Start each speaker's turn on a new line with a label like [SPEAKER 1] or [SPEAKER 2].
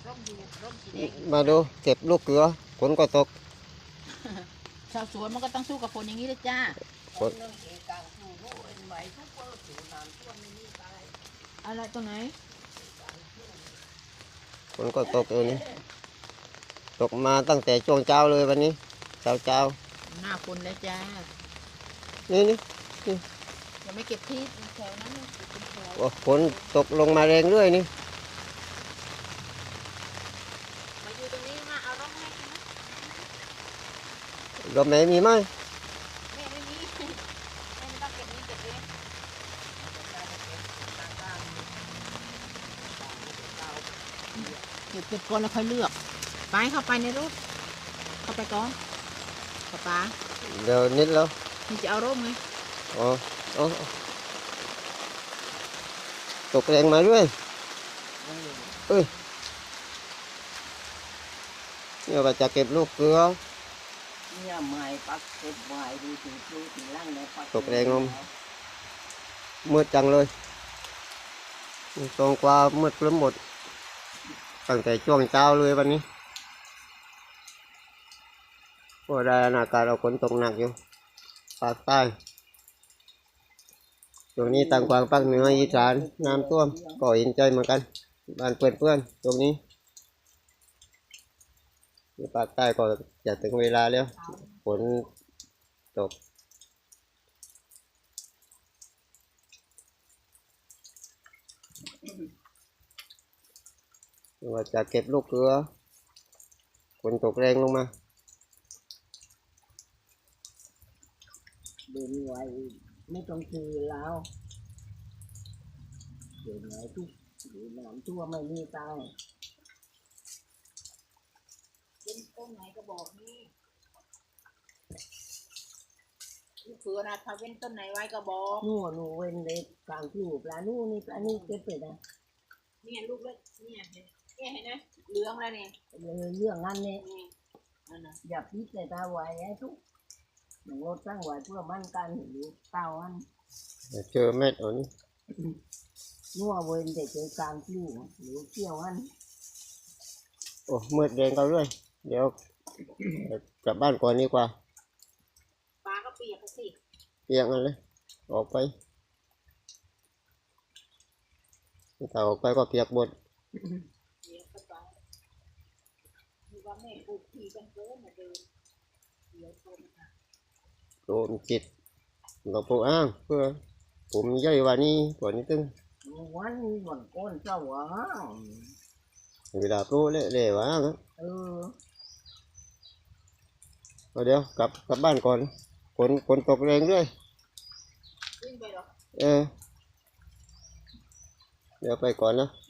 [SPEAKER 1] มาดูเก็บลูกเกลือฝนก็ตก
[SPEAKER 2] ชาวสวนมันก็ต้องสู้กับฝนอย่างนี้เลยจ้า
[SPEAKER 1] ฝน
[SPEAKER 2] อะไรตรงไหน
[SPEAKER 1] ฝนก็ตกอยู่นี่ตกมาตั้งแต่ช่วงเช้าเลยวันนี้เช้า
[SPEAKER 2] หน้าฝนแล้วจ้า
[SPEAKER 1] นี่
[SPEAKER 2] ยังไม่เก็บที่แถวนั้น
[SPEAKER 1] ฝนตกลงมาแรงเรื่อยนี่
[SPEAKER 2] มาอยู่ตรงนี้มาเอาร่มให้กิน
[SPEAKER 1] ลมไหนมีไหม
[SPEAKER 2] แม่ไม่มีแม่ไม่ต้องเก็บนี้เก็บเองเก็บก่อนแล้วค่อยเลือกไปเข้าไปในรถเข้าไปก่อนป๊า
[SPEAKER 1] เดี๋ยวนิดแล้ว
[SPEAKER 2] นี่จะเอาร่มไง
[SPEAKER 1] อ๋อตกแรงมาด้วยเอ้ยเนี่ยว่าจะเก็บลูกเกลือ
[SPEAKER 3] เนี่ยไม้ปักเก็บไว้ดูถึงล่างในปัก
[SPEAKER 1] ตกแรงลมมืดจังเลยตรงกว่ามืดครึ้มหมดตั้งแต่ช่วงเช้าเลยวันนี้ก็ได้อากาศเราฝนตกหนักอยู่ภาคใต้ตรงนี้ต่างกวางภาคเหนืออีสานน้ำท่วมก็เห็นใจเหมือนกันบ้านเพื่อนตรงนี้ภาคใต้ก็จะถึงเวลาแล้วฝนตกว่าจะเก็บลูกเกลือฝนตกแรงลงมา
[SPEAKER 3] เดินไว้ไม่ต้องคือแล้วเดินไหนทุกหรือน้ำท่วมไม่มีตาย
[SPEAKER 2] เป็นต้นไหนก็บอกนี่ลูกเขือนะถ้าเป็นต้นไหนไว้ก็บอก
[SPEAKER 3] หนูเว้นเล็กกลางผิวปลาหนูนี่ปลานี่เก็บไปนะ
[SPEAKER 2] เนี่ยลูกเล็กเนี่ยเห็นไหมเหลืองแล้วเนี่ย
[SPEAKER 3] เรื่องนั้นเนี่ยอย่าพิจารณาไว้ให้ทุกหนูตั้งไว้เพื่อมั่นกันหรือเต้าอัน
[SPEAKER 1] เจอเม็ดอันนี้
[SPEAKER 3] นัวเว้นแต่เจอกลางผิวหรือเกี่ยวอัน
[SPEAKER 1] โอ้มืดแดงกันด้วยเดี๋ยวกลับบ้านก่อนดีกว่า
[SPEAKER 2] ปลาก็เปียกสิ
[SPEAKER 1] เปียกกันเลยออกไปถ้าออกไปก็เปียกหมดโดนจิตเราปูอ้างเพื่อผมย่อยวันนี้ก่อนนี้ตึ้ง
[SPEAKER 3] วันก้นเจ้าหวะ
[SPEAKER 1] เวลาปูเละๆวะเดี๋ยวกลับบ้านก่อนฝนตกแรงด้วยเดี๋ยวไปก่อนนะ